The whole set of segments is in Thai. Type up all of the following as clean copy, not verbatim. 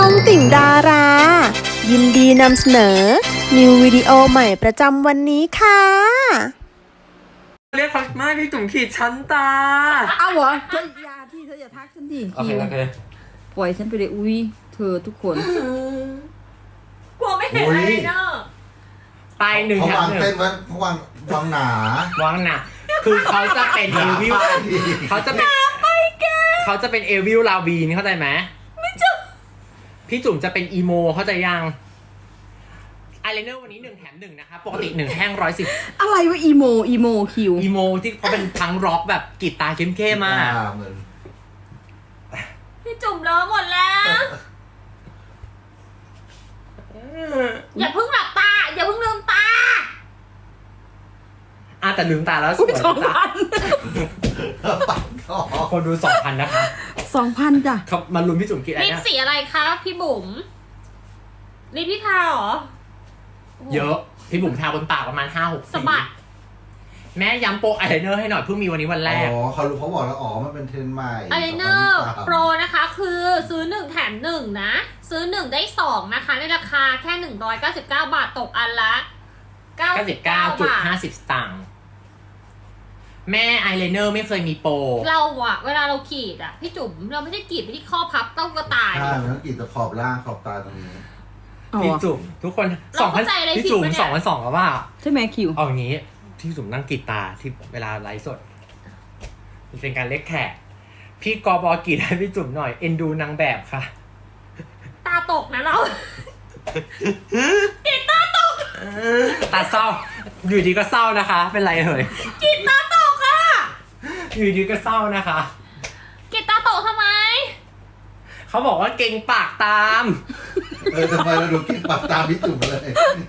องติ่งดารา ยินดีนำเสนอ นิววิดีโอใหม่ประจำวันนี้ค่ะเรียกเขาไม่พี่จุ๋มขีดชั้นตาเอาเหรอเธออย่าที่เธออย่าทักฉันดิโอเคโอเคปล่อยฉันไปเลยอุ้ยเธอทุกคนกลัวไม่เห็นอะไรเนอะไปหนึ่งเขาแถมวางหนึ่งเต้นไว้เขาวางหนาวางหนักคือเขาจะเป็นเอวิลเขาจะเป็นเขาจะเป็นเอวิลลาวีนเข้าใจไหมไม่จุ๋มพี่จุ๋มจะเป็นอีโมเข้าใจยังอายไลเนอร์วันนี้1 แถม 1นะคะปกติ1แท่ง110 อะไรวะอีโมคิวอีโมที่เขาเป็นทั้งร็อกแบบกีตาร์เข้มๆมากเหมือนพี่จุ่มเลอะหมดแล้ว อย่าเพิ่งหลับตา อย่าเพิ่งลืมตาแต่ลืมตาแล้วสอุ้วย ย 2,000 ปัดคอคนดู 2,000 นะคะ 2,000จ้ะเขามาลุ้นพี่จุ๋มคิดอะไรลิปนะสีอะไรคะพี่บุ๋มลิปพี่ทาเหรอเยอะพี่บุ๋มทาบนปากประมาณ 5-6 สะบัดแม่ย้ำโปรอายไลเนอร์ให้หน่อยเพิ่งมีวันนี้วันแรกอ๋อเขาบอกแล้วอ๋อมันเป็นเทรนด์ใหม่อายไลเนอร์โปรนะคะ คือซื้อ1แถม1นะซื้อ1ได้2นะคะในราคาแค่199 บาทตกอันละ99 บาท 99.50 สตางค์แม่อายไลเนอร์ไม่เคยมีโปรเราอะเวลาเราขีดอะพี่จุ๋มเราไม่ได้ขีดไปที่ข้อพับเต้ากระต่ายใช่มันต้องกรีดแต่ขอบล่างขอบตาตรงนี้เอาพี่เหรอจุ๋มทุกคนเราเข้าใจอะไรพี่จุ๋มผิดปะเนี่ย 2,200แล้วว่าใช่ไหมคิวเอาอย่างนี้พี่จุ๋มนั่งกรีดตาที่เวลาไลฟ์สดมันเป็นการเล็กแขกพี่กบกรีดให้พี่จุ๋มหน่อยเอ็นดูนางแบบค่ะตาตกนะเราตาเศร้าอยู่ดีก็เศร้านะคะ เป็นไรเอ่ยกินตาตกอะอยู่ดีก็เศร้านะคะกินตาตกทำไมเขาบอกว่าเก่งปากตามทำไมเราดูกรีดปากตามพี่จุ๋มเลย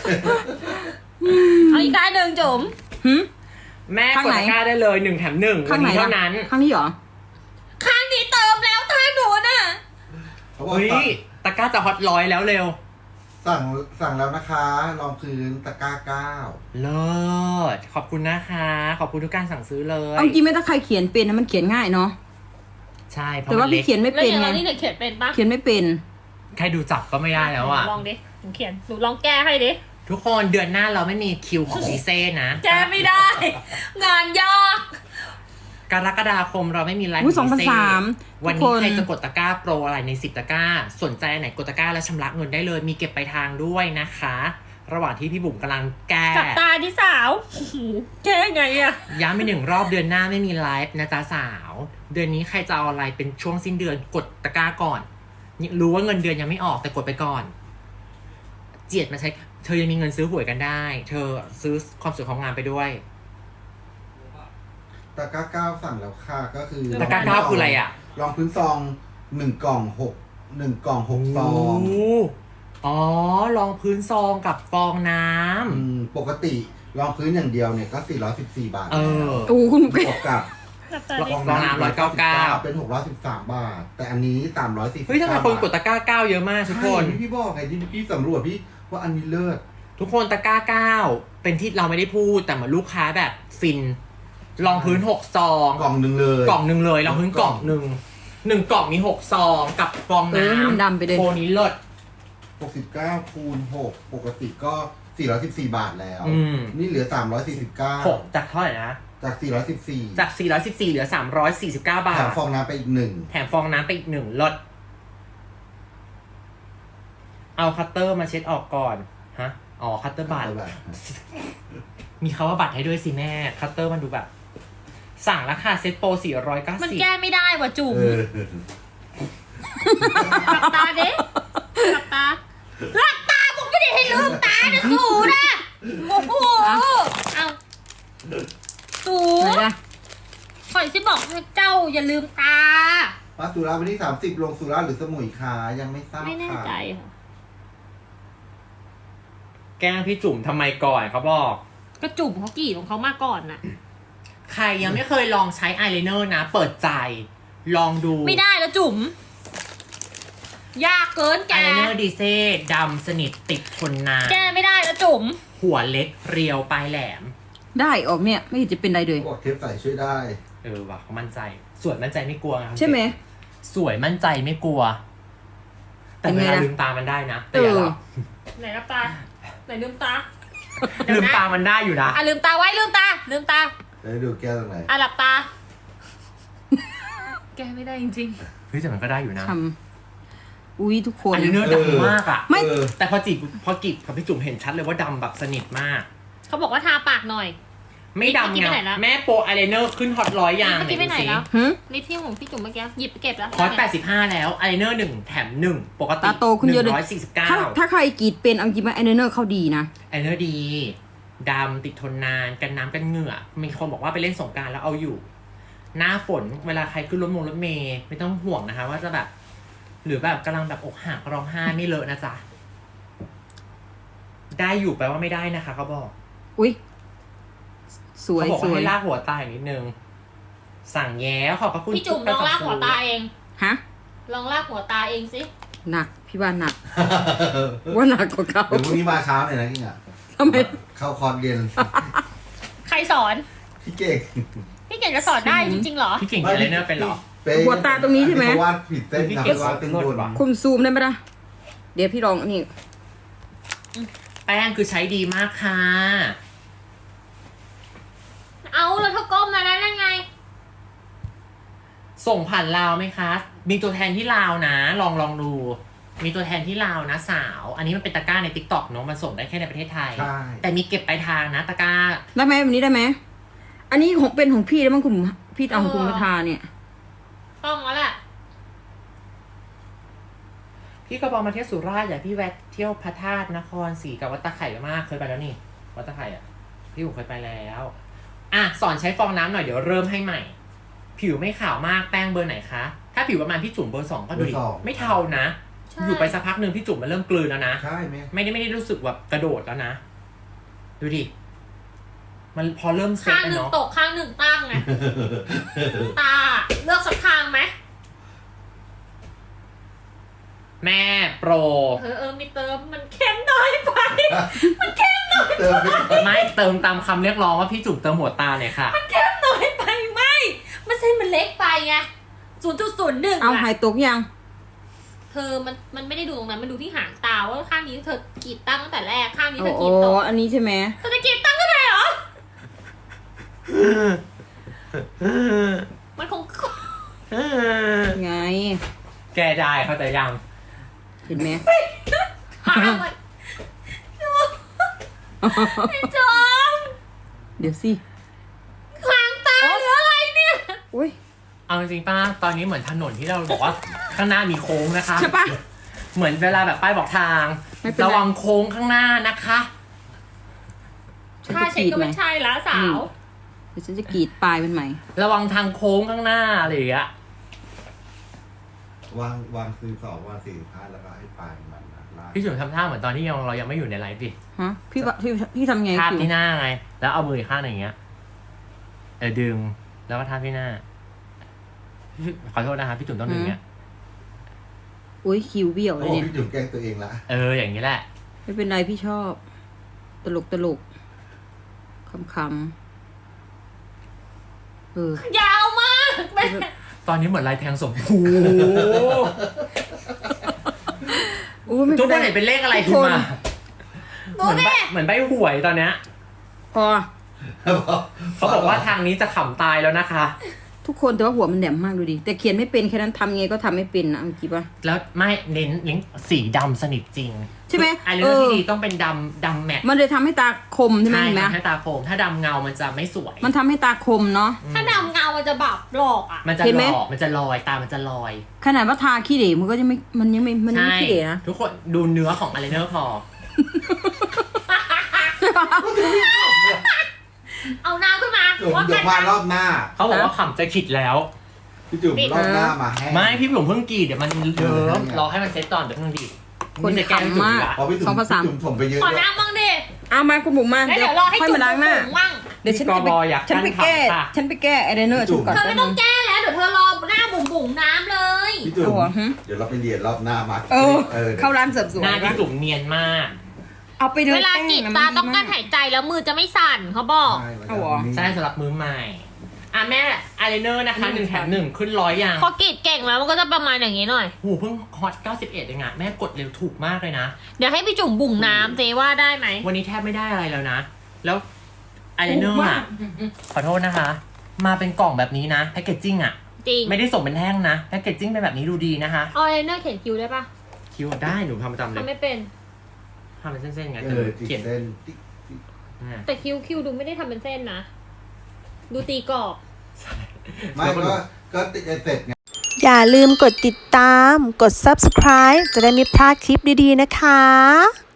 เอาอีกได้หนึ่งจุ๋มหึแม่ข้างกดไหนตะกร้าได้เลย1 แถม 1 วัข้าน งไหนนี้ล่ะเท่านั้นข้างนี้เหรอข้างนี้เติมแล้วทางหนูน่ะเขาบอกเฮ้ยตะกร้าจะฮอตร้อยแล้วเร็วสั่งแล้วนะคะรองพื้นตะกร้าเลิศขอบคุณนะคะ ขอบคุณทุกการสั่งซื้อเลยเอาจริงไม่ต้องใครเขียนเป็นนะมันเขียนง่ายเนาะใช่เพราะแต่มัว่านเล็พี่กเขียนไม่แล้วเป็นอย่างไงเรานี่เนี่ยเขียนเป็นปะเขียนไม่เป็นใครดูจับก็ไม่ได้แล้วอ่ะลองดิหนูเขียนหนูลองแก้ให้ดิทุกคนเดือนหน้าเราไม่มีคิวของดีเซ่นะแก้ไม่ได้ งานยากกรกฎาคมเราไม่มีไลฟ์อุ้ยของดีเซ่ 2,300 วันทุกนี้คนใครจะกดตะกร้าโปรอะไรใน10 ตะกร้า สนใจอันไหนกดตะกร้าแล้วชำระเงินได้เลย มีเก็บปลายทางด้วยนะคะ ระหว่างที่พี่บุ๋มกำลังแก้จับตาที่สาวโอ้โหแก้ไงอะย้ำไป1 รอบเดือนหน้าไม่มีไลฟ์นะจ๊ะสาว เดือนนี้ใครจะเอาอะไรเป็นช่วงสิ้นเดือนกดตะกร้าก่อนรู้ว่าเงินเดือนยังไม่ออกแต่กดไปก่อน เจียดมาใช้เธอยังมีเงินซื้อหวยกันได้ เธอซื้อความสวยของงานไปด้วยๆตะกร้า 9สั่งแล้วค่ะก็คือตะกร้า 9คืออะไรอ่ะรองพื้นซอง1 กล่อง 1 กล่อง 6 ซองอ๋อรองพื้นซองกับฟองน้ำปกติรองพื้นอย่างเดียวเนี่ยก็414 บาทเออโอ้คุณบวกกับจับตาดิฟองน้ำ199 เป็น613 บาท แต่อันนี้349 เฮ้ยทำไมคนกดตะกร้า 9 เยอะมากทุกคนใช่พี่บอกไงที่พี่สำรวจพี่ว่าอันนี้เลิศทุกคนตะกร้า 9 เป็นที่เราไม่ได้พูดแต่เหมือนลูกค้าแบบฟินรองพื้น6 ซองกล่องหนึ่งเลยกล่องหนึ่งเลยรองพื้นกล่องหนึ่ง1 กล่องมี6 ซองกับฟองให้มันน้ำดำไปเลยโปรนี้เลิศ 69คูณ6ปกติก็414 บาทแล้ว นี่เหลือ349 6จากเท่าไหร่นะจาก414 จาก414เหลือ349 บาแถทมฟองน้ำไปอีก1 แถมฟองน้ำไปอีก1ลดเอาคัตเตอร์มาเช็ดออกก่อนฮะอ๋อคัตเตอร์บัตรมีคำว่าบัตรให้ด้วยสิแม่คัตเตอร์มันดูแบบ สั่งราคาเซ็ตโปร490 มันแก้ไม่ได้ว่ะจุ๋มหลับตาดิหลับตาหลับตาผมไม่ได้ให้ลืมตานะสูนะโอ้โหเอาสูไหนล่ะข่อยสิบอกให้เจ้าอย่าลืมตามาสุราษฎร์วันที่30ลงสุราษฎร์หรือสมุยคะยังไม่ทราบไม่แน่ค่ะใจค่ะแกล้งพี่จุ๋มทำไมก่อนเขาบอกก็จุ่มเขากรีดของเขามาก่อนน่ะใครยังไม่เคยลองใช้อายไลเนอร์นะ เปิดใจ ลองดูไม่ได้แล้วจุ๋มยากเกินแกอายไลเนอร์ดีเซ่ดำสนิทติดทนนานแกไม่ได้แล้วจุ๋มหัวเล็กเรียวปลายแหลมได้ออกเนี่ยไม่เห็นจะเป็นไรเลยบอกเทปใส่ช่วยได้ว่ะเขามั่นใจ สวยมั่นใจไม่กลัวนะใช่ไหมสวยมั่นใจไม่กลัวแต่เวลาลืมตามันได้นะแต่เออย่าอหลับไหนรับตาไหนลืมตาลืมตามันได้อยู่นะลืมตาไว้ลืมตาลืมตาแล้วดูแก้วตรงไหนหลับตา แกไม่ได้จริงเฮ้ยแต่มันก็ได้อยู่นะทำอุ้ยทุกคนอันนี้เนื้อดำมากอ่ะไม่แต่พอกิบกับพี่จุ๋มเห็นชัดเลยว่าดำแบบสนิทมากๆเขาบอกว่าทาปากหน่อยไม่ดำเมื่อกี้ไงไปไหนแล้วแม่โปรอายไลเนอร์ขึ้นฮอต100อย่างเมื่อกี้ไปไหนแล้วหึนี่ที่ของพี่จุ๋มเมื่อกี้หยิบไปเก็บแล้วฮอต85แล้วอายไลเนอร์1แถม1ปกติตาโตขึ้นเยอะเลยถ้า 149 ถ้าใครกรีดเป็นเอาจริงๆไอเนอร์เขาดีนะอายไลเนอร์ดีดำติดทนนานกันน้ำกันเหงื่อมีคนบอกว่าไปเล่นสงกรานต์แล้วเอาอยู่ หน้าฝนเวลาใครขึ้นรถเมย์ไม่ต้องห่วงนะคะ ว่าจะแบบ หรือแบบกำลังแบบอกหักร้องไห้ไม่เลอะนะจ๊ะได้อยู่แปลว่าไม่ได้นะคะเขาบอกอุ้ยสวยเขาบอกสว่าวยให้ลากหัวตาอีกนิดนึง สั่งแย้ขอบพระคุณพี่จุ๋มลองลากหัวตาเองฮะลองลากหัวตาเองสิหนักพี่ว่าหนัก ว่าหนักกว่าเขาเดี๋ยวพรุ่งนี้มาเช้าหน่อยนะกิ้งอ่ะทำไมเข้าคอร์สเรียนใครสอนพี่เก่งพี่เก่งจะสอนได้จริงๆเหรอพี่เก่งอายไลเนอร์เป็นเหรอหัวตาตรงนี้ใช่ไหมเขาวาดผิดเส้นครับวาดเส้นบนคุณซูมได้ไหมล่ะเดี๋ยวพี่ลองอันนี้แป้งคือใช้ดีมากค่ะเอาแล้วเธอก้มมาแล้วนั่นไงส่งผ่านลาวไหมคะ มีตัวแทนที่ลาวนะ ลองดู มีตัวแทนที่ลาวนะสาว อันนี้มันเป็นตะกร้าใน TikTok เนอะมันส่งได้แค่ในประเทศไทยใช่แต่มีเก็บปลายทางนะตะกร้าได้ไหมแบบนี้ได้ไหมอันนี้ของเป็นของพี่แล้วมั้งคุณพี่เอาของคุณมาทาเนี่ยต้องแล้วแหละพี่กระบอกมาเที่ยวสุราษฎร์อย่าพี่แวะเที่ยวพระธาตุนครศรีกับวัดตะไคร่มากเคยไปแล้วนี่วัดตะไคร่อ่ะพี่ผมเคยไปแล้วอ่ะสอนใช้ฟองน้ำหน่อยเดี๋ยวเริ่มให้ใหม่ ผิวไม่ขาวมากแป้งเบอร์ไหนคะถ้าผิวประมาณพี่จุ๋มเบอร์ 2ก็ดูดิเบอร์สองไม่เทานะใช่อยู่ไปสักพักหนึ่งพี่จุ๋มมันเริ่มกลืนแล้วนะใช่ไหมไม่ได้รู้สึกแบบกระโดดแล้วนะ ดูดิ มันพอเริ่มเซ็ตข้างแล้วหนึ่งเนาะตกข้างหนึ่งตั้งไง ตาเลือกสักข้างไหมแม่โปรมีเติมมันเข้มน้อยไปเติมไปก่อนไม่เติมตามคำเรียกร้องว่าพี่จุ๋มเติมหัวตาหน่อยค่ะเข้มน้อยไปไม่เส้นมันเล็กไปไง0.01 เอาหายตกยังเธอมันไม่ได้ดูตรงนั้นมันดูที่หางตาว่าข้างนี้เธอกรีดตั้งตั้งแต่แรกข้างนี้โอ้เธอโหกรีดตกอันนี้ใช่ไหมเธอจะกรีดตั้งก็ได้เหรอ มันคงไงแกได้เข้าใจยังเห็นไหมหามันไอ้จอมเดี๋ยวสิหางตาหรืออะไรเนี่ยอุ้ยเอาจริงๆป้าตอนนี้เหมือนถนนที่เราบอกว่าข้างหน้ามีโค้งนะคะใช่ปะเหมือนเวลาแบบป้ายบอกทางไม่เป็นไรระวังโค้งข้างหน้านะคะฉันถ้าจะเช็กครีดก็ไหมไม่ใช่ละสาวเดี๋ยวฉันจะกรีดปลายมันใหม่ระวังทางโค้งข้างหน้าอะไรอย่างเงี้ยวางซื้อสองวาง45แล้วก็ให้ปลายมันนะลากพี่จุ๋มทำท่าเหมือนตอนที่เรายังไม่อยู่ในไลฟ์ดิฮะ พี่ทำไงทาบคิวที่หน้าไง แล้วเอามืออีกข้างหนึ่งอย่างเงี้ยดึงแล้วก็ทาบที่หน้าขอโทษนะคะพี่จุ๋มต้องดึงเงี้ยอุ้ยคิวเบี้ยวเลโอ้ยเนี่ยพี่จุ๋มแกล้งตัวเองละอย่างนี้แหละไม่เป็นไรพี่ชอบ ตลกคำยาวมากแม่ตอนนี้เหมือนลายแทงสมพูอู้ไม่ทุเป็กนคนไรเห็นเป็นเลขอะไรขึ้นมาดูเหมือนดิใบหวยตอนเนี้ยพอเขาบอกว่าทางนี้จะขำตายแล้วนะคะทุกคนแต่ว่าหัวมันแหลมมากดูดิ แต่เขียนไม่เป็นแค่นั้นทำไงก็ทำไม่เป็นนะเอาจริงปะแล้วไม่เน้นลิงก์สีดำสนิทจริงใช่ไหมไอเลอร์ที่ดีต้องเป็นดำแมทมันเลยทำให้ตาคมใช่ไหมเห็นไหมทำให้ตาโคมถ้าดำเงามันจะไม่สวยมันทำให้ตาคมเนาะถ้าดำเงามันจะแบบหลอกอ่ะมันจะเห็นหไหลมอกมันจะลอยตามันจะลอยขนาดว่าทาขี้เหร่มันก็ยังไม่มันยังไม่ขี้เหร่นะทุกคนดูเนื้อของไอเลเนอร์พอเอาน้ำขึ้นมาจุ๋มว่าเดี๋ยวมารอบหน้าเขาบอกว่าขำจะขิดแล้วพี่จุ๋มรอบหน้ามาให้ไม่พี่ผมเพิ่งกรีดเดี๋ยวมันเยิ้มรอให้มันเซ็ตก่อนเดี๋ยวเพิ่งดีดคนจะแกล้งจุ๋ขำมากละพอพี่จุ๋สอมงภาษาพี่จุ๋มถมไปเยอะขอด้วยน้ำบ้างดิเอามาคุณบุ๋มมาแล้วเดี๋ยวรอให้ค่อยจุ่มมาล้างหน้าบุ๋มมั่งเดี๋ยวฉันจะไปฉันไปแก้ฉันไปแก้ไอเดนเนอร์ฉันก่อนเธอไม่ต้องแก้แล้วเดี๋ยวเธอรอหน้าบุ๋มบุ๋มน้ำเลยพี่จุ๋มเอาเหรอฮะเดี๋ยวเราไปเรียนรอบหน้ามาเข้าร้านเสริมสวยหน้าพี่ปะจุ๋มเนียนมากเอาไปเดินเวลากรีดตาต้องการหายใจแล้วมือจะไม่สั่นเขาบอกเอาเหรอใช่สำหรับมือใหม่แม่อายไลเนอร์นะคะ1 แถม 1ขึ้น100อย่างพอกรีดเก่งแล้วมันก็จะประมาณอย่างนี้หน่อยหูเพิ่งฮอต91เองอะแม่กดเร็วถูกมากเลยนะเดี๋ยวให้พี่จุ๋มบุ่งน้ำเจว่าได้ไหมวันนี้แทบไม่ได้อะไรแล้วนะ แล้วอายไลเนอร์อะขอโทษนะคะ มาเป็นกล่องแบบนี้นะแพคเกจจิ้งอะจริงไม่ได้ส่งเป็นแท่งนะแพคเกจจิ้งเป็นแบบนี้ดูดีนะคะอายไลเนอร์เขียนคิ้วได้ปะคิวได้หนูทำประจำเลทำยไม่เป็นทำเป็นเส้นๆไงเอแต่อติดเขียนเส้นติ๊กติ๊กอ่าแต่คิ้วดูไม่ได้ทำเป็นเส้นนะ ดูตีกรอบไม่ก็ติดเสร็จไงอย่าลืมกดติดตาม กด subscribe จะได้ไม่พลาดคลิปดีๆนะคะ